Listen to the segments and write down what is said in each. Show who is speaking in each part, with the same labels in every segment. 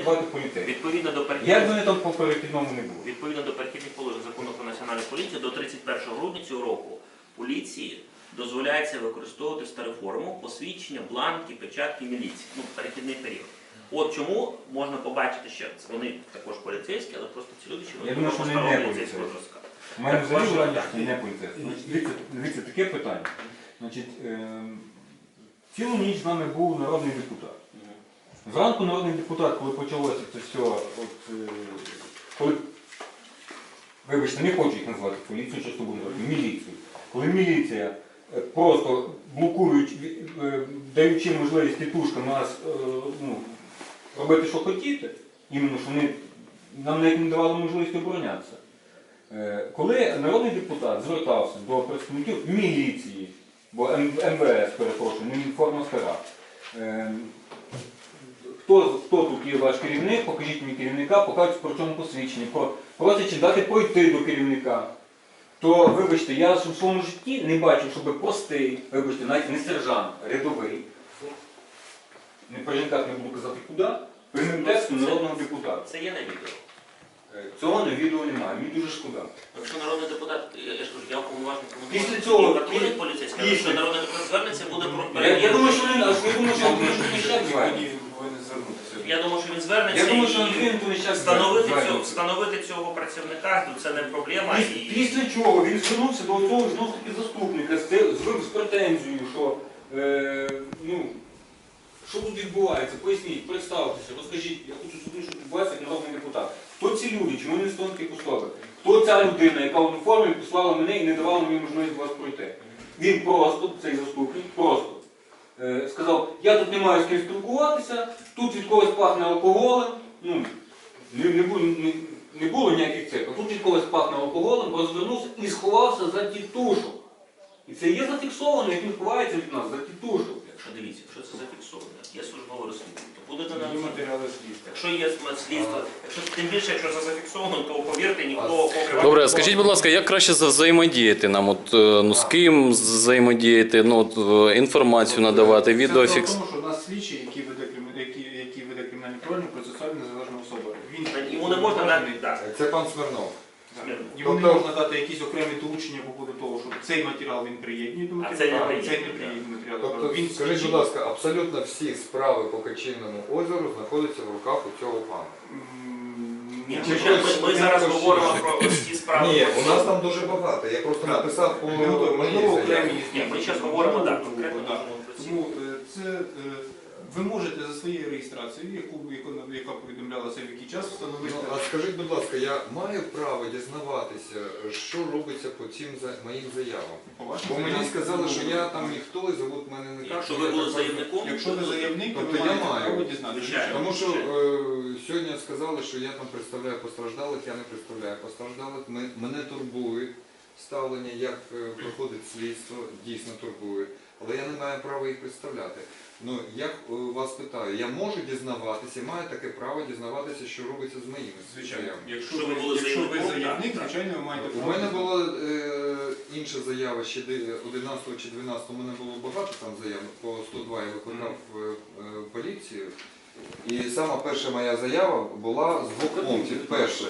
Speaker 1: працювати поліцейські.
Speaker 2: Відповідно до
Speaker 1: Як вони там по перехідному не було?
Speaker 2: Відповідно до перехідних положень Закону про національну поліцію, до 31 грудня цього року поліції дозволяється використовувати стару форму посвідчення, бланки, печатки міліції. Ну, перехідний період. От чому можна побачити, що вони також поліцейські, але просто ці люди, що
Speaker 1: Я думаю, що вони не поліцейські. У мене
Speaker 2: Так,
Speaker 1: взагалі
Speaker 2: ваше
Speaker 1: враження,
Speaker 2: питання.
Speaker 1: що не поліцейські. Дивіться, таке питання. Значить, цілу ніч з нами був народний депутат. Зранку народний депутат, коли почалося це все, коли, вибачте, не хочу їх назвати поліцією, що буду називати, міліцією. Коли міліція просто блокують, даючи можливість тітушкам нас робити, що хотіти, іменно, що вони нам навіть не давали можливість оборонятися. Коли народний депутат звертався до представників міліції, бо МВС, перепрошую, не форма стара, хто тут є ваш керівник, покажіть мені керівника, покажуть про чому посвідчення, просячи дати пройти до керівника, то, вибачте, я в своєму житті не бачив, щоб простий, вибачте, навіть не сержант, рядовий, не при жінках не буду казати куди, прямим текстом народного депутата.
Speaker 2: Це є на відео.
Speaker 1: Цього на відео немає, мені дуже шкода.
Speaker 2: Якщо народний депутат, я ж кажу, я уповноважений
Speaker 1: Після цього,
Speaker 2: поліцейський, якщо народний депутат звернеться, буде
Speaker 1: Я думаю, що він
Speaker 2: Я думаю, що він звернеться і встановити цього працівника, то це не проблема.
Speaker 1: Після чого він звернувся до цього ж таки заступника з претензією, що що тут відбувається, поясніть, представтеся, розкажіть, я хочу сюди, що відбувається як народний депутат. Хто ці люди, чому вони стоять таких условиях? Хто ця людина, яка в уніформі послала мене і не давала мені можливість вас пройти? Він просто, цей заступник, просто сказав, я тут не маю з ким спілкуватися, тут від когось пахне алкоголем, не було ніяких цих, а тут від когось пахне алкоголем, розвернувся і сховався за тітушок. І це є зафіксовано, як він ховається від нас, за тітушок.
Speaker 2: Якщо дивіться, якщо це зафіксовано, є службове розслідування, то буде на
Speaker 3: Є матеріали слідства.
Speaker 2: Якщо є слідство, тим більше, якщо це зафіксовано, то повірте, ніхто
Speaker 4: Добре, скажіть, будь ласка, як краще взаємодіяти нам? З ким взаємодіяти, інформацію надавати, відеофікс?
Speaker 3: Тому що у нас слідчий, який веде кримінальне провадження, процесуальна незалежна особа.
Speaker 2: йому не можна навіть дати.
Speaker 5: Це пан Смирнов.
Speaker 3: Йому не можна дати якісь окремі доручення по поводу того, що цей матеріал він приєднує до
Speaker 2: А цей не
Speaker 3: матеріалу, цей не
Speaker 2: приєднує.
Speaker 3: приєднує матеріал.
Speaker 5: Тобто,
Speaker 3: Він
Speaker 5: скажіть,
Speaker 3: слідчий.
Speaker 5: будь ласка, абсолютно всі справи по Качинному озеру знаходяться в руках у цього пана.
Speaker 2: Ні,
Speaker 5: Чи
Speaker 2: ми зараз
Speaker 5: хтось-
Speaker 2: говоримо про ось ті справи.
Speaker 5: Ні, у нас там дуже багато. Я просто написав по
Speaker 3: Не готові. Можливо,
Speaker 5: моїй заяві.
Speaker 3: окремі.
Speaker 2: Ні, ми зараз говоримо так, конкретно
Speaker 3: Так.
Speaker 2: можемо про ці.
Speaker 3: Тому це ви можете за своєю реєстрацією, яка повідомлялася в який час, встановити.
Speaker 5: А скажіть, будь ласка, я маю право дізнаватися, що робиться по цим моїм заявам?
Speaker 3: По вашим
Speaker 5: Бо мені
Speaker 3: заявам.
Speaker 5: сказали, що я там ніхто і зовут мене не так.
Speaker 2: Якщо ви були заявником,
Speaker 3: Якщо ви заявник, то
Speaker 5: Тобто
Speaker 3: ви
Speaker 5: я
Speaker 3: маєте
Speaker 5: маю.
Speaker 3: право дізнатися.
Speaker 2: Звичайно.
Speaker 5: Тому що сьогодні сказали, що я там представляю постраждалих, я не представляю постраждалих. Мене турбує ставлення, як проходить слідство, дійсно турбує. Але я не маю права їх представляти. Ну, я вас питаю, я можу дізнаватися, маю таке право дізнаватися, що робиться з моїми
Speaker 3: Звичайно.
Speaker 5: заявами?
Speaker 3: Якщо
Speaker 2: Якщо ви були
Speaker 3: ви
Speaker 2: заявником,
Speaker 3: заявник,
Speaker 2: так.
Speaker 3: звичайно, ви маєте
Speaker 5: У
Speaker 3: право.
Speaker 5: мене була інша заява, ще 11 чи 12 у мене було багато там заяв, по 102 я викликав поліцію. І сама перша моя заява була з двох пунктів. Перше,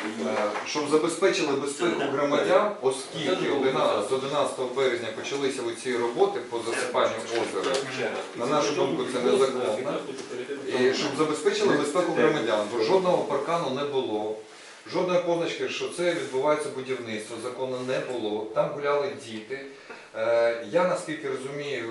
Speaker 5: щоб забезпечили безпеку громадян, оскільки з 11 березня почалися ці роботи по засипанню озера. На нашу думку, це незаконно. І щоб забезпечили безпеку громадян, бо жодного паркану не було. Жодної позначки, що це відбувається будівництво, закону не було. Там гуляли діти. Я, наскільки розумію,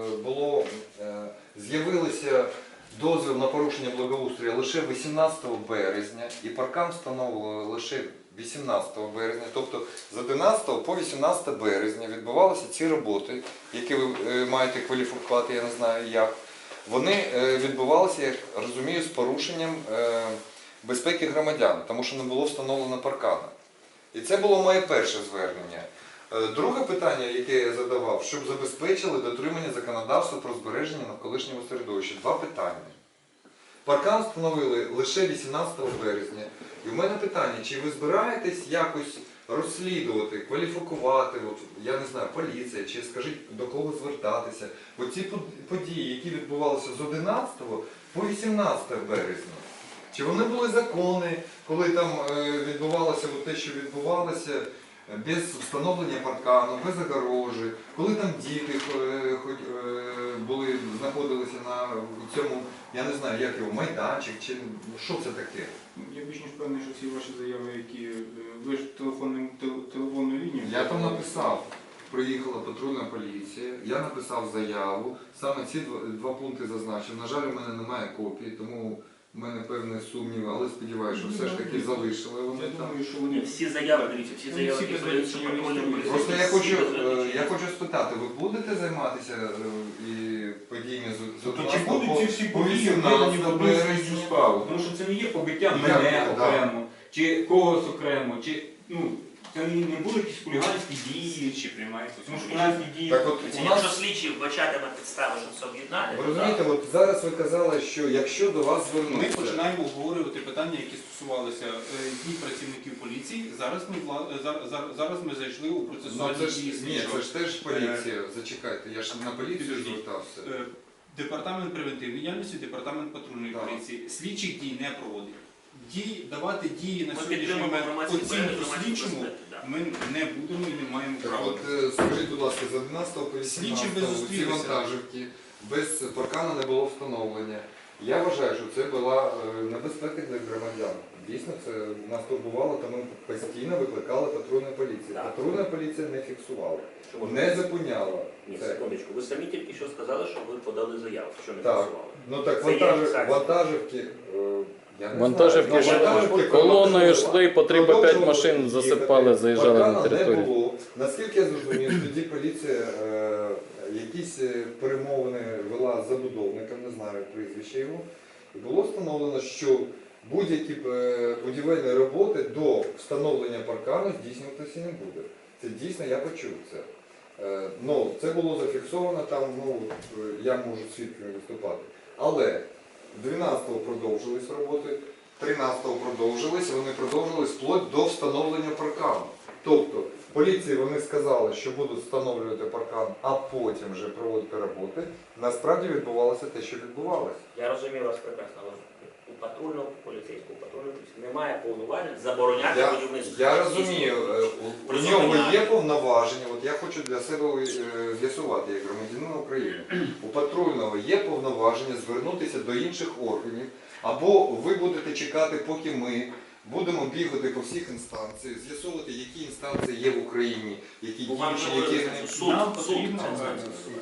Speaker 5: з'явилися дозвіл на порушення благоустрою лише 18 березня і паркан встановили лише 18 березня. Тобто з 11 по 18 березня відбувалися ці роботи, які ви маєте кваліфікувати, я не знаю як. Вони відбувалися, я розумію, з порушенням безпеки громадян, тому що не було встановлено паркана. І це було моє перше звернення. Друге питання, яке я задавав, щоб забезпечили дотримання законодавства про збереження навколишнього середовища. Два питання. Паркан встановили лише 18 березня. І в мене питання, чи ви збираєтесь якось розслідувати, кваліфікувати, я не знаю, поліція, чи скажіть, до кого звертатися. Бо ці події, які відбувалися з 11 по 18 березня, Чи вони були законні, коли там відбувалося те, що відбувалося, без встановлення паркану, без огорожі, коли там діти знаходилися на цьому, я не знаю, як його, майданчик, чи що це таке?
Speaker 3: Я більш ніж певний, що всі ваші заяви, які ви ж телефонну лінію.
Speaker 5: Я там написав, приїхала патрульна поліція, я написав заяву, саме ці два пункти зазначив. На жаль, у мене немає копії, тому в мене певні сумніви, але сподіваюся, що все ж таки залишили вони
Speaker 3: Я
Speaker 5: там.
Speaker 3: думаю, що
Speaker 2: Ні,
Speaker 3: вони
Speaker 2: всі заяви, дивіться, всі
Speaker 3: Ну,
Speaker 2: заяви,
Speaker 3: всі
Speaker 2: які
Speaker 3: без
Speaker 2: подаються
Speaker 3: виключення
Speaker 2: патрульним
Speaker 3: реєструються.
Speaker 2: поліцейським,
Speaker 5: Просто я
Speaker 2: всі без
Speaker 5: хочу
Speaker 2: виключення.
Speaker 5: спитати, ви будете займатися і подіями з
Speaker 1: Тобто чи будуть ці всі
Speaker 5: по
Speaker 1: події
Speaker 5: 18
Speaker 1: введені в одну
Speaker 5: березня?
Speaker 1: слідчу справу? Тому що це не є побиття
Speaker 5: Як
Speaker 1: мене
Speaker 5: це, да.
Speaker 1: окремо, чи когось окремо, чи це не будуть якісь хуліганські дії,
Speaker 3: чи приймаються.
Speaker 1: тому що хуліганські дії.
Speaker 5: Так от у
Speaker 2: Якщо
Speaker 5: нас,
Speaker 2: слідчі вбачатиме підстави, щоб це об'єднати,
Speaker 5: ви розумієте, от зараз ви казали, що якщо до вас
Speaker 3: Ми
Speaker 5: звернуться,
Speaker 3: починаємо обговорювати питання, які стосувалися дій працівників поліції. Зараз ми зайшли у
Speaker 5: ну,
Speaker 3: процесуальні
Speaker 5: це ж,
Speaker 3: дії
Speaker 5: ні,
Speaker 3: слідчого.
Speaker 5: це ж теж поліція, зачекайте, я ж на поліцію
Speaker 3: Підождіть.
Speaker 5: звертався.
Speaker 3: Департамент превентивної діяльності, департамент патрульної
Speaker 5: Так.
Speaker 3: поліції слідчих дій не проводить. Давати дії на
Speaker 2: ми
Speaker 3: сьогоднішній
Speaker 2: підтримуємо
Speaker 3: момент
Speaker 2: громадські
Speaker 3: оцінку
Speaker 2: громадські
Speaker 3: слідчому
Speaker 2: безпеки. да.
Speaker 3: ми не будемо і не маємо
Speaker 5: Так
Speaker 3: права.
Speaker 5: от, скажіть, будь ласка, з 11 по
Speaker 3: Слідчі би
Speaker 5: 18 ці
Speaker 3: зустрілися.
Speaker 5: вантажівки без паркану не було встановлення. Я вважаю, що це була небезпека для громадян. Дійсно, це нас турбувало, тому постійно викликали патрульну поліцію.
Speaker 2: Так.
Speaker 5: Патрульна поліція не фіксувала,
Speaker 2: Чому?
Speaker 5: не зупиняла.
Speaker 2: Ні,
Speaker 5: це.
Speaker 2: секундочку, ви самі тільки що сказали, що ви подали заяву, що не
Speaker 5: Так.
Speaker 2: фіксували.
Speaker 5: Ну так
Speaker 2: Це є фіксація.
Speaker 5: вантажівки, я не
Speaker 4: Вантажівки
Speaker 5: знаю.
Speaker 4: ж
Speaker 5: Вантажівки
Speaker 4: колоною
Speaker 5: продовжували.
Speaker 4: йшли, по 3-5
Speaker 5: Продовжували
Speaker 4: машин
Speaker 5: їхати.
Speaker 4: засипали, заїжджали на
Speaker 5: Паркана
Speaker 4: територію.
Speaker 5: не було. Наскільки я зрозумів, тоді поліція якісь перемовини вела з забудовником, не знаю прізвище його, і було встановлено, що будь-які будівельні роботи до встановлення паркану здійснюватися не буде. Це дійсно я почув це. Ну, це було зафіксовано там, я можу свідком виступати. Але 12-го продовжились роботи, 13-го продовжились, вони продовжились вплоть до встановлення паркану. Тобто, поліції вони сказали, що будуть встановлювати паркан, а потім вже проводити роботи. Насправді відбувалося те, що відбувалося.
Speaker 2: Я розумію вас прекрасно, але у патрульного поліцейського, патрульної поліції немає повноважень забороняти будівництво.
Speaker 5: Я розумію, у нього є повноваження, от я хочу для себе з'ясувати, як громадянин України. У патрульного є повноваження звернутися до інших органів, або ви будете чекати, поки ми будемо бігати по всіх інстанціях, з'ясовувати, які інстанції є в Україні, які
Speaker 2: Бо вам
Speaker 5: діючі,
Speaker 2: говорили,
Speaker 5: які
Speaker 2: що
Speaker 5: не...
Speaker 2: суд,
Speaker 3: Нам
Speaker 2: суд
Speaker 3: потрібно,
Speaker 2: це інстанція.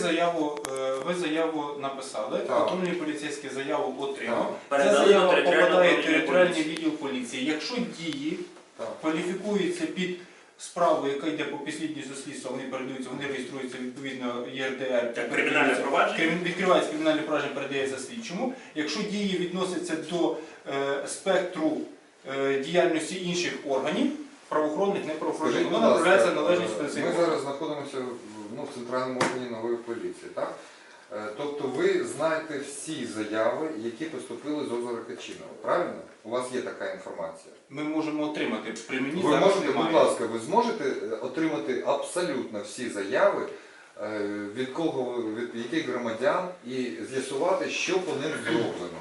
Speaker 3: Ви заяву написали,
Speaker 5: Так.
Speaker 3: патрульний поліцейський заяву отримав. Ця
Speaker 2: Передали до
Speaker 3: заява
Speaker 2: територіального
Speaker 3: попадає в
Speaker 2: управління
Speaker 3: територіальний
Speaker 2: поліції.
Speaker 3: відділ поліції. Якщо дії
Speaker 5: Так.
Speaker 3: кваліфікуються під справу, яка йде по підслідністю слідства, вони передаються, вони реєструються відповідно ЄРДР.
Speaker 2: Це кримінальне провадження?
Speaker 3: Відкривається кримінальне провадження, передається слідчому. Якщо дії відносяться до спектру діяльності інших органів, правоохоронних, неправоохоронних,
Speaker 5: Скажіть, будь
Speaker 3: воно
Speaker 5: ласка,
Speaker 3: направляється належність
Speaker 5: ми
Speaker 3: специфіку.
Speaker 5: зараз знаходимося в центральному органі нової поліції, так? Тобто ви знаєте всі заяви, які поступили з озера Качинова, правильно? У вас є така інформація?
Speaker 3: Ми можемо отримати. При мені
Speaker 5: Ви
Speaker 3: зараз
Speaker 5: можете,
Speaker 3: немає.
Speaker 5: будь ласка, ви зможете отримати абсолютно всі заяви, від кого, від яких громадян, і з'ясувати, що по ним зроблено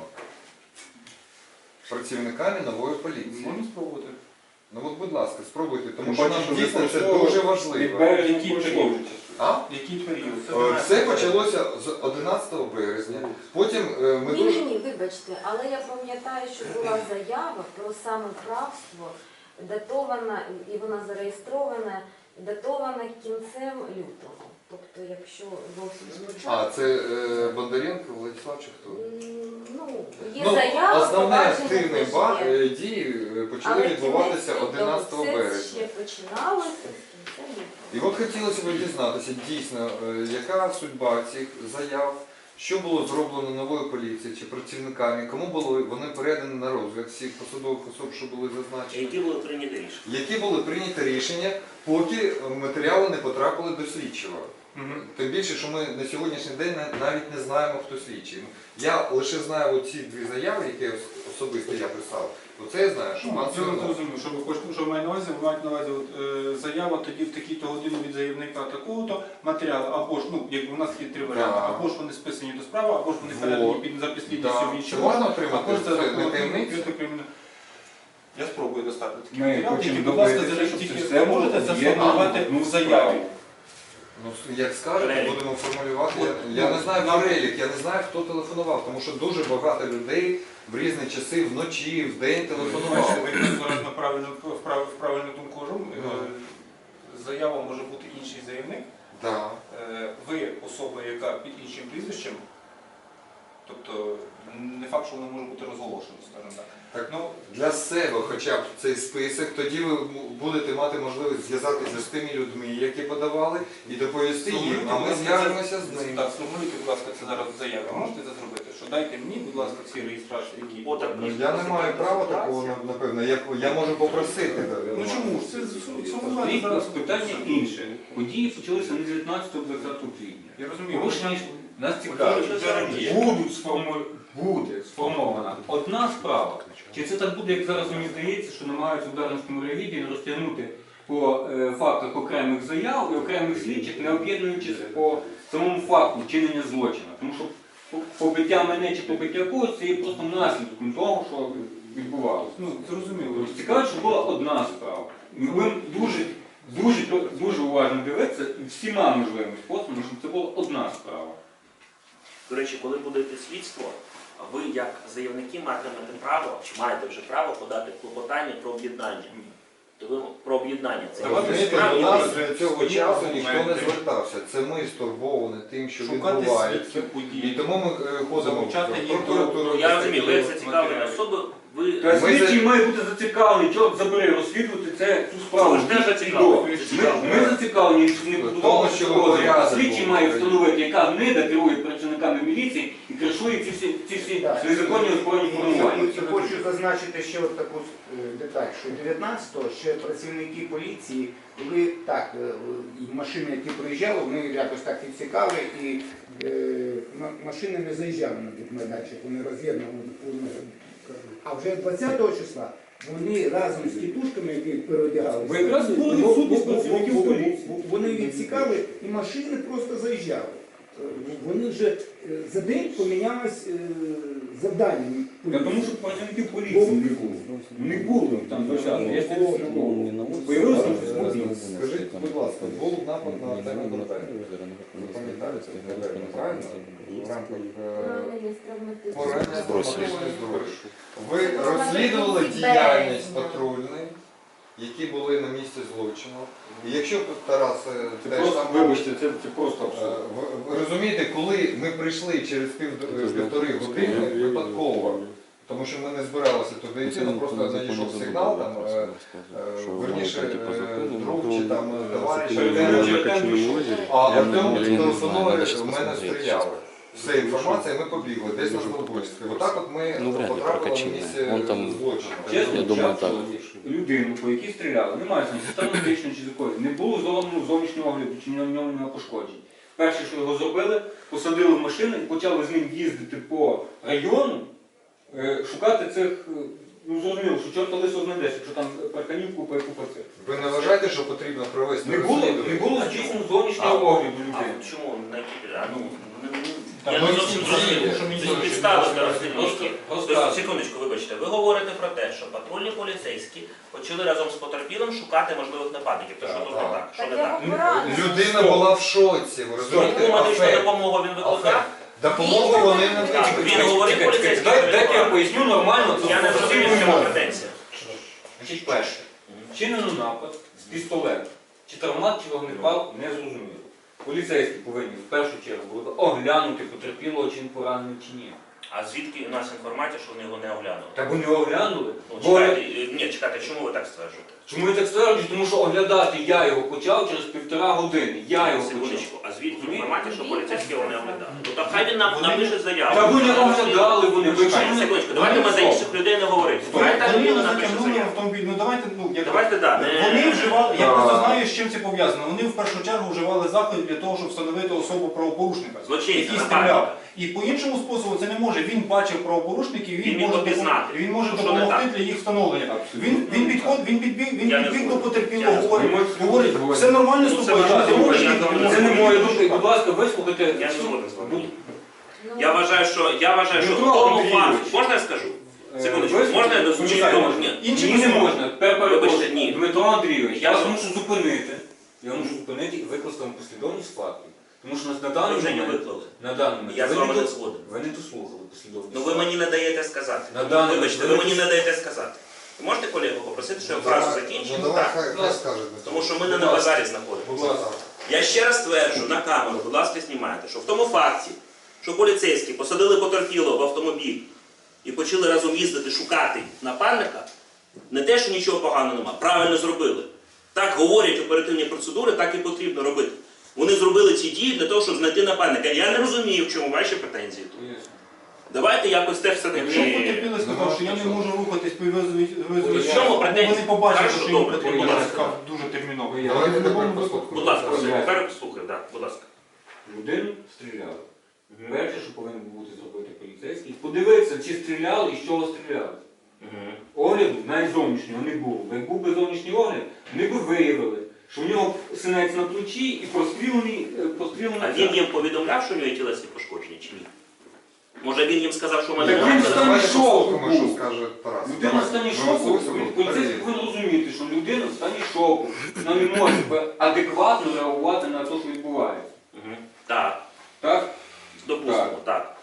Speaker 5: працівниками нової поліції.
Speaker 3: Можна спробувати.
Speaker 5: Ну от, будь ласка, спробуйте, тому
Speaker 1: Ну,
Speaker 5: що
Speaker 1: бачу,
Speaker 5: нам дійсно
Speaker 1: ви
Speaker 5: це
Speaker 1: просто
Speaker 5: дуже
Speaker 1: від
Speaker 5: важливо.
Speaker 1: березня
Speaker 3: Який
Speaker 1: продовжується.
Speaker 5: А?
Speaker 3: Який період?
Speaker 5: Все почалося з 11 березня. Потім ми
Speaker 6: Ні,
Speaker 5: дуже...
Speaker 6: ні, вибачте, але я пам'ятаю, що була заява про самоправство, датована, і вона зареєстрована, датована кінцем лютого. Тобто, якщо зовсім
Speaker 5: А,
Speaker 6: спочатку.
Speaker 5: це Бондаренко, Владислав чи хто?
Speaker 6: Ну, є
Speaker 5: Ну,
Speaker 6: заява,
Speaker 5: основні
Speaker 6: провадження
Speaker 5: активні
Speaker 6: теж є.
Speaker 5: дії почали
Speaker 6: Але
Speaker 5: відбуватися
Speaker 6: кінець
Speaker 5: 11
Speaker 6: лютого,
Speaker 5: березня.
Speaker 6: Це ще починалося з кінця
Speaker 5: І
Speaker 6: лютого.
Speaker 5: от хотілося б дізнатися дійсно, яка судьба цих заяв, що було зроблено новою поліцією чи працівниками, кому були вони передані на розгляд всіх посадових особ, що були зазначені.
Speaker 2: Які були прийняті рішення?
Speaker 5: Які були прийняті рішення, поки матеріали не потрапили до слідчого. Тим більше, що ми на сьогоднішній день навіть не знаємо, хто слідчий. Я лише знаю оці дві заяви, які особисто я писав. Оце я знаю, що пан
Speaker 3: Я
Speaker 5: Смірнов.
Speaker 3: розумію, що ви хочете, що ви маєте на увазі, ви маєте на увазі заява тоді в такі-то години від заявника такого-то матеріалу, або ж, ну, якби у нас є три варіанти,
Speaker 5: Да.
Speaker 3: або ж вони списані до справи, або ж вони
Speaker 5: Вот.
Speaker 3: передані за підслідністю
Speaker 5: Да.
Speaker 3: в інші
Speaker 5: Це можна
Speaker 3: органи,
Speaker 5: отримати?
Speaker 3: або ж
Speaker 5: Це не
Speaker 3: рахунок
Speaker 5: таємниця?
Speaker 3: відкритого кримінального. Я спробую достати такі
Speaker 1: Ми
Speaker 3: матеріали,
Speaker 1: хочемо
Speaker 3: тільки, будь ласка,
Speaker 1: добитися,
Speaker 3: зараз
Speaker 1: щоб
Speaker 3: тільки
Speaker 1: це все
Speaker 3: ви можете
Speaker 1: було
Speaker 3: це
Speaker 1: об'єднано
Speaker 3: сформулювати
Speaker 1: в одну
Speaker 3: в заяві.
Speaker 1: справу.
Speaker 5: Ну, як скажете,
Speaker 2: Перелік.
Speaker 5: будемо формулювати.
Speaker 3: От,
Speaker 5: Я
Speaker 3: ну,
Speaker 5: не знаю
Speaker 3: нам-
Speaker 5: перелік, я не знаю, хто телефонував, тому що дуже багато людей в різні часи, вночі, в день
Speaker 3: Бачите,
Speaker 5: телефонували.
Speaker 3: ви зараз на правильну думку кажу. Заява може бути інший заявник.
Speaker 5: Да.
Speaker 3: Ви особа, яка під іншим прізвищем, тобто не факт, що воно може бути розголошено, скажімо так.
Speaker 5: Так,
Speaker 3: Ну,
Speaker 5: для себе хоча б цей список, тоді ви будете мати можливість зв'язатися з тими людьми, які подавали, і доповісти їм, а ми зв'яжемося з ними.
Speaker 3: Так, сформулюйте, будь ласка, це зараз в заяві. Можете це зробити? Що дайте мені, будь ласка, всі реєстрації, які...
Speaker 2: Отак.
Speaker 5: Ну, я не маю права такого, напевно, я можу попросити.
Speaker 3: Ну чому ж? Це сформулювати
Speaker 1: Стоїть
Speaker 3: зараз.
Speaker 1: питання інше. Події почалися не 19-20 квітня.
Speaker 3: Я розумію.
Speaker 1: Порушення нас цікавить, буде сформована одна справа. Чи це так буде, як зараз мені здається, що намагаються в Дарницькому райвідділі розтягнути по фактах окремих заяв і окремих слідчих, не об'єднуючись по самому факту вчинення злочину. Тому що побиття мене чи побиття когось це є просто наслідком того, що відбувалося.
Speaker 3: Ну, зрозуміло.
Speaker 1: Цікаво, що була одна справа. Ми будемо дуже уважно дивитися і всіма можливими способами, щоб це була одна справа.
Speaker 2: До речі, коли буде йти слідство, ви як заявники матимете право, чи маєте вже право подати клопотання про об'єднання. То ви про об'єднання. Це
Speaker 3: Давайте
Speaker 5: Розумієте,
Speaker 3: справді
Speaker 5: до нас
Speaker 3: вже
Speaker 5: цього
Speaker 3: сьогодні
Speaker 5: часу ніхто не
Speaker 3: документи.
Speaker 5: звертався. Це ми стурбовані тим, що
Speaker 3: Шукати
Speaker 5: відбувається.
Speaker 3: свідків
Speaker 5: І
Speaker 3: подій.
Speaker 5: тому ми ходимо
Speaker 3: Залучати
Speaker 5: в
Speaker 3: їх до-
Speaker 5: прокуратуру.
Speaker 2: Ну, я розумію, ви як зацікавлені особи, ви...
Speaker 1: Та
Speaker 5: Ми
Speaker 1: слідчий
Speaker 5: за-
Speaker 1: має бути зацікавлений, чого забери розслідувати цю справу.
Speaker 2: Ви ж теж зацікавлені.
Speaker 1: Ми зацікавлені, щоб не
Speaker 5: Тому,
Speaker 1: будували
Speaker 5: що
Speaker 1: розгляд.
Speaker 5: порядок
Speaker 1: Слідчий
Speaker 5: був.
Speaker 1: має встановити, яка гнида керує працівниками міліції і кришує ці всі незаконні озброєні формування.
Speaker 7: І хочу зазначити ще от таку деталь, що 19-го ще працівники поліції, коли так, і машини, які проїжджали, вони якось так відсікали, і машини не заїжджали на тих майданчик, вони роз'єднували. А вже 20-го числа вони разом з тітушками, які переодягалися,
Speaker 1: Ви якраз були відсутність працівників поліції.
Speaker 7: вони відсікали і машини просто заїжджали. Вони вже за день помінялось завдання.
Speaker 1: Та тому що працівників поліції не було. Не було там початку. Я це не було. Появилося щось можливо.
Speaker 5: Скажіть, будь ласка, був напад на Артема Бурбека. Ви пам'ятаєте, правильно? В рамках
Speaker 6: Поранення з травматичним.
Speaker 5: поранення травматичної зброї. Ви розслідували діяльність патрульної, які були на місці злочину. І якщо Тарас
Speaker 1: Це
Speaker 5: теж
Speaker 1: просто,
Speaker 5: там...
Speaker 1: вибачте, це просто абсурд.
Speaker 5: Ви розумієте, коли ми прийшли через півтори години випадково, тому що ми не збиралися туди йти, ну просто надійшов сигнал, там, верніше, друг чи там товариш а Артем телефонує, в мене стріляли. Все інформація, ми побігли, десь на Злобольській. Отак от ми
Speaker 4: Ну, вряд ли
Speaker 5: потрапили на
Speaker 4: прокачали.
Speaker 5: місце
Speaker 4: Вон там,
Speaker 5: злочину.
Speaker 1: Чесно,
Speaker 4: Я думаю,
Speaker 1: часу
Speaker 4: так.
Speaker 1: людину, по якій стріляли, немає травматичної чи такої, не було зовнішнього огляду, чи на ньому немає пошкоджень. Перше, що його зробили, посадили в машину і почали з ним їздити по району, шукати цих, ну зрозуміло, що чорта лисо знайдеш, якщо там парканів купа і купа цих.
Speaker 5: Ви не вважаєте, що потрібно провести
Speaker 1: Не було
Speaker 5: розслідування?
Speaker 1: здійснено зовнішнього огляду
Speaker 2: А
Speaker 1: людини.
Speaker 2: чому? На які...
Speaker 5: Та
Speaker 2: Я
Speaker 5: ми
Speaker 2: не зовсім
Speaker 5: всі
Speaker 2: зрозумів.
Speaker 5: що мені
Speaker 2: Це
Speaker 5: зовсім
Speaker 2: підстави
Speaker 5: не
Speaker 2: для
Speaker 5: зрозуміло.
Speaker 2: розслідування.
Speaker 1: Розказуй.
Speaker 2: Секундочку, вибачте. Ви говорите про те, що патрульні поліцейські почали разом з потерпілим шукати можливих нападників. То що тут не так? Що не так?
Speaker 5: Людина була в шоці, ви розумієте?
Speaker 2: Яку медичну
Speaker 5: Афект.
Speaker 2: допомогу він викликав?
Speaker 5: Допомогу вони не
Speaker 2: Так,
Speaker 5: дають.
Speaker 2: він говорить поліцейським.
Speaker 1: Дайте я поясню нормально.
Speaker 2: Я не зрозумів, в чому претензія.
Speaker 1: Значить, перше, вчинено напад з пістолету. Чи травмат, чи вогнепал, не зрозуміло. Поліцейські повинні в першу чергу були оглянути потерпілого, чи він поранений, чи ні.
Speaker 2: А звідки у нас інформація, що вони його не оглянули?
Speaker 1: Так вони оглянули.
Speaker 2: Ну,
Speaker 1: Бо-
Speaker 2: чекайте, чому ви так стверджуєте?
Speaker 1: Чому я так стверджую? Тому що оглядати я його почав через 1,5 години. Я його почав.
Speaker 2: Секундочку, а звідки інформація, що поліцейські його не оглядали? Ну так хай він напише заяву.
Speaker 1: Та ви не оглядали вони. Ви
Speaker 2: Чекайте, секундочку, давайте ми за інших людей не говорити. Давайте
Speaker 3: Вони
Speaker 2: людина
Speaker 3: його
Speaker 2: напише
Speaker 3: затягнули в
Speaker 2: заяву.
Speaker 3: автомобіль. Ну давайте,
Speaker 2: Давайте, да.
Speaker 3: Вони вживали, я просто знаю, з чим це пов'язано. Вони в першу чергу вживали заходи для того, щоб встановити особу правопорушника,
Speaker 2: Злочинця,
Speaker 3: який
Speaker 2: нападника.
Speaker 3: стріляв. І по іншому способу це не може. Він бачив правопорушників,
Speaker 2: Він міг опізнати,
Speaker 3: він може
Speaker 2: що не
Speaker 3: допомогти
Speaker 2: так.
Speaker 3: для їх встановлення.
Speaker 1: Абсолютно.
Speaker 3: Він підбіг
Speaker 2: Я не
Speaker 3: до
Speaker 2: згоден.
Speaker 3: потерпілого,
Speaker 2: Я не
Speaker 3: говорить, все нормально з
Speaker 2: Ну, це
Speaker 3: тобою.
Speaker 2: ваша
Speaker 3: ти
Speaker 2: думка,
Speaker 3: можеш
Speaker 2: я
Speaker 3: їхати?»
Speaker 2: думаю,
Speaker 1: Це не моя думка. Будь ласка, вислухайте.
Speaker 2: Я не згоден з вами.
Speaker 6: Ну,
Speaker 2: Я вважаю, що в
Speaker 1: Дмитро
Speaker 2: тому
Speaker 1: Андрійович.
Speaker 2: факті, можна я скажу? Секундочку,
Speaker 1: Вислухайте.
Speaker 2: можна я дозвучу?
Speaker 3: Почекайте,
Speaker 2: Ні.
Speaker 3: Інші
Speaker 1: Ні, не
Speaker 3: висновки.
Speaker 1: можна.
Speaker 2: Вибачте, ні.
Speaker 1: Дмитро Андрійович, я
Speaker 2: Я
Speaker 1: вас
Speaker 2: згоден.
Speaker 1: мушу зупинити. Я мушу зупинити і викласти вам послідовність фактів. Тому що нас на
Speaker 2: Ви
Speaker 1: даний
Speaker 2: вже не
Speaker 1: момент...
Speaker 2: виклали.
Speaker 1: На даний момент.
Speaker 2: Я з
Speaker 1: ви
Speaker 2: вами
Speaker 1: не
Speaker 2: не
Speaker 1: до-
Speaker 2: згоден.
Speaker 1: Ви не дослухали послідовність.
Speaker 2: Ну ви мені не даєте сказати.
Speaker 1: На даний
Speaker 2: Вибачте, ви
Speaker 1: момент-
Speaker 2: мені не даєте сказати. Ви можете колегу попросити, щоб я фразу закінчив?
Speaker 5: Ну давай,
Speaker 2: Так.
Speaker 5: хай скаже. Дмитро.
Speaker 2: Тому що ми не на базарі знаходимося.
Speaker 1: Будь ласка.
Speaker 2: Я ще раз стверджу на камеру, будь ласка, знімайте, що в тому факті, що поліцейські посадили потерпілого в автомобіль і почали разом їздити шукати нападника, не те, що нічого поганого нема, правильно зробили. Так говорять оперативні процедури, так і потрібно робити. Вони зробили ці дії для того, щоб знайти нападника. Я не розумію, в чому ваші претензії тут. Давайте якось те все
Speaker 3: Якщо
Speaker 2: таки.
Speaker 3: потерпілий сказав, що я не можу рухатись по
Speaker 2: В чому претензії?
Speaker 3: вони побачили,
Speaker 2: Хорошо,
Speaker 3: що йому
Speaker 2: добре,
Speaker 3: потрібно,
Speaker 2: будь
Speaker 3: я
Speaker 2: ласка.
Speaker 3: сказав дуже терміново.
Speaker 5: Давайте тепер послухаємо.
Speaker 2: Будь ласка,
Speaker 1: Будь ласка.
Speaker 2: тепер слухай, да, будь ласка.
Speaker 1: Людину стріляли. Перше, що повинен бути зробити поліцейський, подивитися, чи стріляли і з чого стріляли. Огляду навіть зовнішнього не було. Бо як був би зовнішній огляд, ми б виявили, що в нього синець на плечі і прострілений.
Speaker 2: А він їм повідомляв, що у нього є тілесні пошкодження чи ні? Може він їм сказав, що в мене
Speaker 1: Так він
Speaker 2: немає?
Speaker 1: стане
Speaker 5: Давайте
Speaker 1: шоку
Speaker 5: послухаємо,
Speaker 1: був.
Speaker 5: що скаже Тарас.
Speaker 1: Людина в стані шоку, поліцейський повинен розуміти, що людина в стані шоку. Вона не може адекватно реагувати на те, що відбувається.
Speaker 2: Так,
Speaker 1: Так?
Speaker 2: допустимо, так.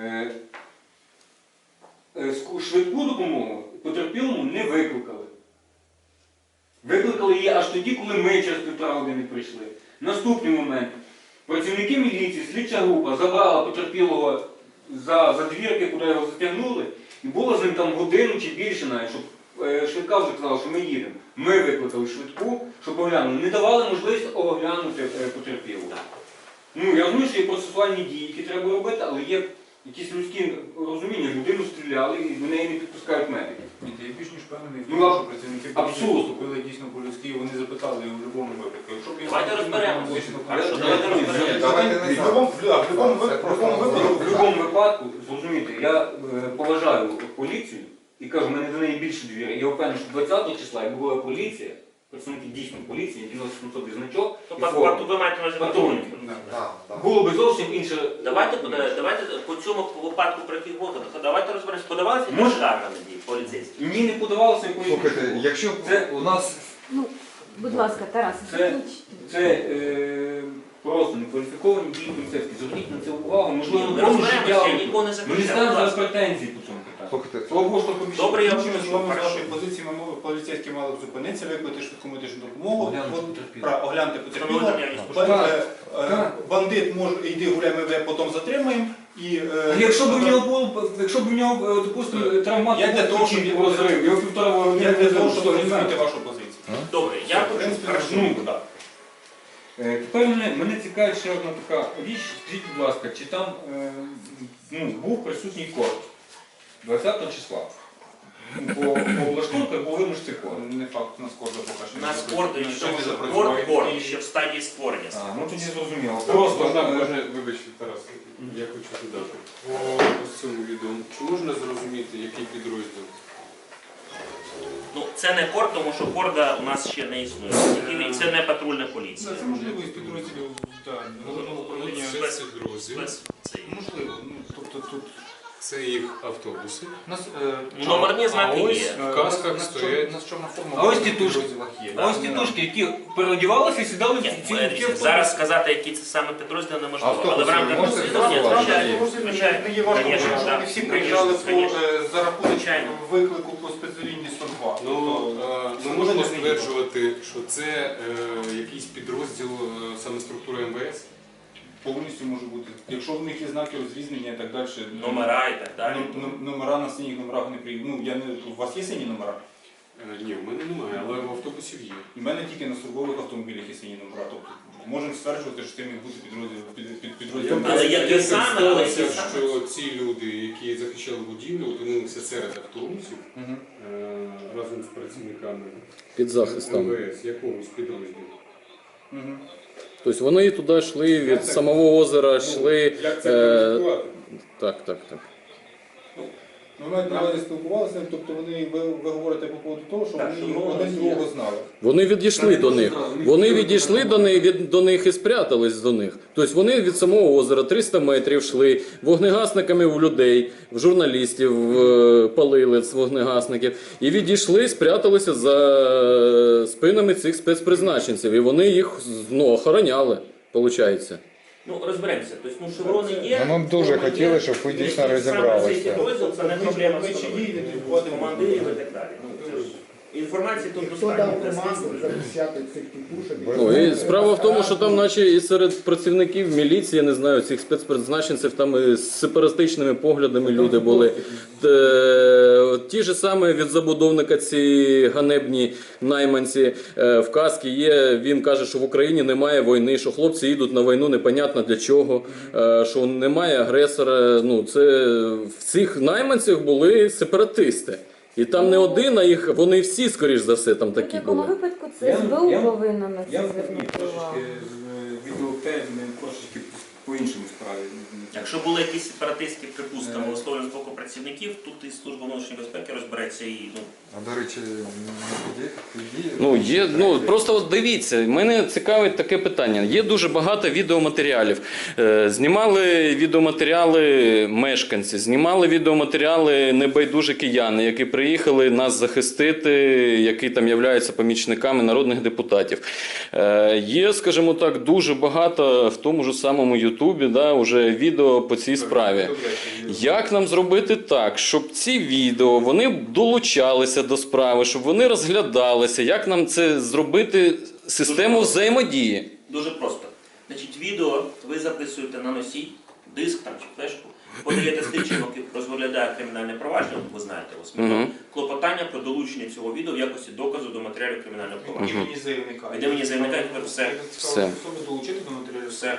Speaker 1: Швидку допомогу потерпілому не викликали. Викликали її аж тоді, коли ми через 1,5 години прийшли. Наступний момент. Працівники міліції, слідча група забрала потерпілого за двірки, куди його затягнули, і було з ним там годину чи більше навіть, щоб швидка вже казала, що ми їдемо. Ми викликали швидку, щоб оглянули. Не давали можливість оглянути потерпілого. Ну, я розумію, що є процесуальні дії, які треба робити, але є якісь людські розуміння. Людину стріляли і до неї не підпускають медики.
Speaker 3: Ні, я більш ніж впевнений в
Speaker 1: Ну,
Speaker 3: тому, що працівники
Speaker 1: абсурд.
Speaker 3: поліції поступили дійсно по-людськи, і вони запитали в будь-якому випадку. Якщо б я
Speaker 2: Давайте
Speaker 3: знав,
Speaker 2: розберемося.
Speaker 3: що звісно,
Speaker 2: Хорошо,
Speaker 3: поліція-
Speaker 2: давайте розберемося.
Speaker 5: Давайте не
Speaker 3: В будь-якому випадку,
Speaker 1: В будь-якому випадку, зрозумійте, я поважаю поліцію і кажу, в мене до неї більше довіри. Я впевнений, що 20 числа, якби була поліція, працівники дійсно поліції, які носять на собі значок, і форму,
Speaker 2: Ви маєте на увазі
Speaker 1: патрульні.
Speaker 5: Так, так.
Speaker 1: було би зовсім інше.
Speaker 2: Давайте по цьому випадку, про який говорите, давайте розберемося. Подавалися
Speaker 1: Може.
Speaker 2: скарга на дії поліцейські?
Speaker 1: Ні, не подавалося якоїсь.
Speaker 5: Слухайте, якщо
Speaker 1: Це-
Speaker 5: у нас
Speaker 6: Ну, будь ласка, Тарас,
Speaker 1: Це-
Speaker 6: закінчите.
Speaker 1: Це просто некваліфіковані дії поліцейські. Зверніть на це увагу. Можливо,
Speaker 2: Ми
Speaker 1: в тому
Speaker 2: розберемося,
Speaker 1: життя.
Speaker 2: я нікого не
Speaker 1: Ми не
Speaker 2: захищаю.
Speaker 1: ставимо
Speaker 2: будь
Speaker 1: зараз
Speaker 2: ласка.
Speaker 1: претензії по цьому питанню.
Speaker 5: слухайте,
Speaker 1: Слава Богу, що побільше.
Speaker 2: Добре, я
Speaker 3: Іншими словами, з
Speaker 2: Хорошо.
Speaker 3: вашої позиції, поліцейські мали б зупинитися, викликати швидку медичну допомогу,
Speaker 1: Оглянути потерпілого.
Speaker 3: оглянути потерпілого.
Speaker 2: Встановити наявність
Speaker 1: Так,
Speaker 2: пошкоджень.
Speaker 1: так.
Speaker 3: Бандит може йди гуляй, ми тебе потім затримаємо. І,
Speaker 1: А якщо б в нього було, якщо б в нього, допустимо, травмат
Speaker 3: Я для того, щоб
Speaker 1: розрив, його 1,5 години
Speaker 3: я для того,
Speaker 1: що,
Speaker 3: щоб
Speaker 1: не знаю.
Speaker 3: розуміти вашу позицію.
Speaker 2: Добре, я
Speaker 3: В
Speaker 2: хочу.
Speaker 3: принципі,
Speaker 2: Хорошо.
Speaker 3: розумію, так.
Speaker 1: Тепер мене цікавить ще одна така річ. Скажіть, будь ласка, чи там був присутній корт 20 числа? По облаштунках був вимушений корт.
Speaker 3: Не факт, у нас корда поки що.
Speaker 2: У нас корд
Speaker 3: не
Speaker 2: ще
Speaker 3: запрацював.
Speaker 2: корд ще в стадії створення.
Speaker 1: А, ну тоді зрозуміло. Просто
Speaker 8: Можна, вибачте, Тарас, я хочу додати. По ось цьому відео, чи можна зрозуміти, який підрозділ?
Speaker 2: Ну, це не корд, тому що корда у нас ще не існує. І це не патрульна поліція.
Speaker 3: Це можливо із підрозділів головного управління.
Speaker 8: Спецпідрозділ.
Speaker 2: Це є.
Speaker 3: Можливо, тобто тут
Speaker 8: Це їх автобуси.
Speaker 3: у нас
Speaker 2: Номерні знаки
Speaker 8: ось
Speaker 2: є.
Speaker 8: в касках стоять.
Speaker 3: у нас чорна форма.
Speaker 1: А ось
Speaker 3: в
Speaker 1: тітушки.
Speaker 3: підрозділах є.
Speaker 1: А ось тітушки, які переодівалися і сідали в
Speaker 2: Ні,
Speaker 1: ці
Speaker 2: дивіться, зараз сказати, які це саме підрозділи, неможливо. Але в
Speaker 5: Автобуси
Speaker 2: рамках
Speaker 5: можете
Speaker 2: розслідування,
Speaker 5: з'ясувати?
Speaker 2: звичайно,
Speaker 3: Не є важко,
Speaker 2: Конечно,
Speaker 3: тому що
Speaker 2: да.
Speaker 3: вони всі приїжджали
Speaker 2: Конечно.
Speaker 3: за рахунок
Speaker 2: Звичайно.
Speaker 3: виклику по спецлінії 102.
Speaker 8: Ну,
Speaker 3: Тобто,
Speaker 8: ми можемо
Speaker 3: це не є.
Speaker 8: стверджувати, що це якийсь підрозділ саме структури МВС.
Speaker 3: Повністю може бути. Якщо в них є знаки розрізнення і так далі.
Speaker 2: номера і так далі.
Speaker 3: Номера на синіх номерах не приїдуть. Ну, у вас є сині номера?
Speaker 8: Ні, в мене немає, але в автобусів є.
Speaker 3: У мене тільки на службових автомобілях є сині номера. Тобто можемо стверджувати, що це міг бути підрозділ.
Speaker 2: Але як і саме,
Speaker 8: сталося, що ці люди, які захищали будівлю, опинилися серед автомобілів
Speaker 3: Мгм.
Speaker 8: разом з працівниками
Speaker 4: Під захистом.
Speaker 8: МВС, якогось підрозділу.
Speaker 3: Мгм.
Speaker 4: Тобто вони туди йшли від самого озера, йшли.
Speaker 8: Як це кваліфікувати?
Speaker 4: Так.
Speaker 3: Ну, навіть не спілкувалися, тобто ви говорите по поводу того, що
Speaker 2: Так,
Speaker 3: вони
Speaker 2: що
Speaker 3: один другого знали.
Speaker 4: Вони відійшли до них. Вони відійшли до них і спрятались до них. Тобто вони від самого озера 300 метрів йшли, вогнегасниками в людей, в журналістів палили з вогнегасників. І відійшли, спряталися за спинами цих спецпризначенців. І вони їх охороняли, виходить.
Speaker 2: Ну, розберемося. Тобто, шеврони є.
Speaker 5: Ну, ми б дуже
Speaker 2: форма
Speaker 5: хотіли,
Speaker 2: є.
Speaker 5: щоб ви дійсно
Speaker 2: Саме
Speaker 5: розібралися.
Speaker 2: цей підрозділ це не проблема
Speaker 3: Ми чи
Speaker 2: встановити.
Speaker 3: дії, не входимо.
Speaker 2: Командирів і так далі. Ну, це ж інформації тут
Speaker 7: Хто
Speaker 2: достатньо.
Speaker 7: дав
Speaker 2: для
Speaker 7: команду
Speaker 2: слідства.
Speaker 7: захищати цих тітушок?
Speaker 4: Ну, і справа в тому, що там, наче і серед працівників міліції, я не знаю, цих спецпризначенців, там і з сепаратичними поглядами люди були. Ті ж саме від забудовника ці ганебні найманці в казці є. Він каже, що в Україні немає війни, що хлопці їдуть на війну непонятно для чого, що немає агресора. Ну, це в цих найманцях були сепаратисти. І там не один, а їх вони всі, скоріш за все, там
Speaker 6: В
Speaker 4: такі
Speaker 6: якому
Speaker 4: були.
Speaker 6: випадку це СБУ повинно на
Speaker 1: Я
Speaker 6: це звернути увагу.
Speaker 1: трошечки відеотеми трошечки по іншому справі.
Speaker 2: Якщо були якісь сепаратистські припустимо висловлені з боку працівників, тут і служба внутрішньої безпеки розбереться і
Speaker 5: А до речі,
Speaker 4: Ну, є, просто от дивіться, мене цікавить таке питання. Є дуже багато відеоматеріалів. Знімали відеоматеріали мешканці, знімали відеоматеріали небайдужі кияни, які приїхали нас захистити, які там являються помічниками народних депутатів. Є, скажімо так, дуже багато в тому ж самому Ютубі, уже відео по цій справі. Як нам зробити так, щоб ці відео, вони долучалися до справи, щоб вони розглядалися? Як нам це зробити систему взаємодії?
Speaker 2: дуже просто. Значить, відео ви записуєте на носій, диск там чи флешку, подаєте слідчому, який розглядає кримінальне провадження, ви знаєте, клопотання про долучення цього відео в якості доказу до матеріалів кримінального провадження.
Speaker 3: Імені заявника.
Speaker 2: Від імені заявника тепер все.
Speaker 4: Все.
Speaker 3: Особи долучити до матеріалів.
Speaker 2: Все.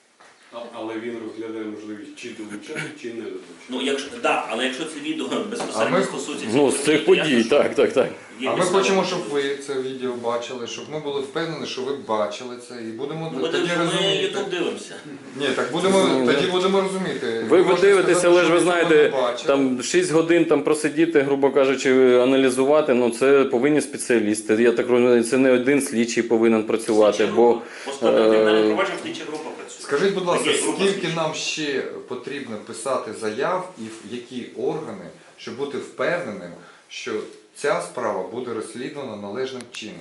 Speaker 8: Але він розглядає можливість чи долучати, чи не долучати.
Speaker 2: Ну, але якщо це відео безпосередньо
Speaker 5: А ми-
Speaker 2: стосується
Speaker 4: Ну, з цих подій, так.
Speaker 2: Є
Speaker 5: А ми
Speaker 2: підстави.
Speaker 5: хочемо, щоб ви це відео бачили, щоб ми були впевнені, що ви бачили це, і будемо
Speaker 2: Ми
Speaker 5: тоді
Speaker 2: ми
Speaker 5: розуміти.
Speaker 2: Ютуб дивимося.
Speaker 5: Ні, так тоді будемо розуміти.
Speaker 4: Ви
Speaker 5: можете
Speaker 4: дивитеся,
Speaker 5: сказати,
Speaker 4: але ж
Speaker 5: що
Speaker 4: ви
Speaker 5: цього
Speaker 4: знаєте,
Speaker 5: не бачили.
Speaker 4: там 6 годин там просидіти, грубо кажучи, аналізувати, це повинні спеціалісти. Я так розумію, це не один слідчий повинен працювати, бо
Speaker 2: По складу кримінального провадження слідча група працює.
Speaker 5: Скажіть, будь ласка,
Speaker 2: Таке група
Speaker 5: скільки
Speaker 2: слідчих.
Speaker 5: нам ще потрібно писати заяв і в які органи, щоб бути впевненим, що ця справа буде розслідувана належним чином?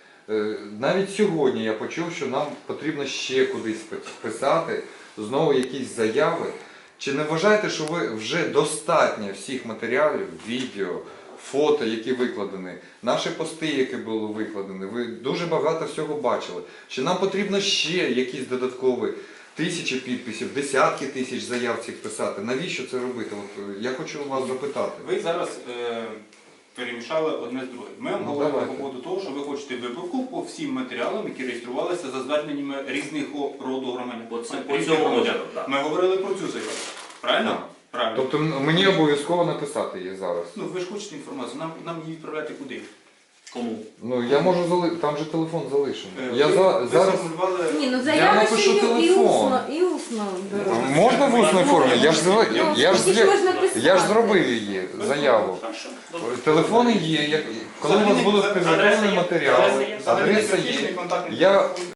Speaker 5: Навіть сьогодні я почув, що нам потрібно ще кудись писати, знову якісь заяви. Чи не вважаєте, що ви вже достатньо всіх матеріалів, відео, фото, які викладені, наші пости, які були викладені, ви дуже багато всього бачили. Чи нам потрібно ще якісь додаткові тисячі підписів, десятки тисяч заяв цих писати? Навіщо це робити? Я хочу вас запитати.
Speaker 3: Ви зараз перемішали одне з другим. Ми вам
Speaker 5: Ну,
Speaker 3: говоримо
Speaker 5: давайте.
Speaker 3: по поводу того, що ви хочете виборку по всім матеріалам, які реєструвалися за зверненнями різних роду громадян.
Speaker 2: По
Speaker 3: Різних
Speaker 2: цьому
Speaker 3: громадян.
Speaker 2: розгляду, так.
Speaker 3: Ми говорили про цю заяву. Правильно?
Speaker 5: Так.
Speaker 3: Правильно.
Speaker 5: Тобто мені обов'язково написати її зараз.
Speaker 3: Ну, ви ж хочете інформацію, нам її відправляти куди?
Speaker 2: Кому?
Speaker 5: Ну я можу там же телефон залишений.
Speaker 3: Ви
Speaker 5: зараз.
Speaker 3: сформулювали...
Speaker 6: Ні,
Speaker 5: Я
Speaker 6: заяви
Speaker 5: напишу
Speaker 6: ще і
Speaker 5: телефон.
Speaker 6: усно беруть.
Speaker 5: Можна в усній формі? Я ж
Speaker 6: можна писати.
Speaker 5: зробив її заяву.
Speaker 2: Хорошо. Добре.
Speaker 5: Телефони є. Коли у вас будуть підготовлені матеріали, адреса є.
Speaker 3: Контактний
Speaker 5: Я
Speaker 3: телефон.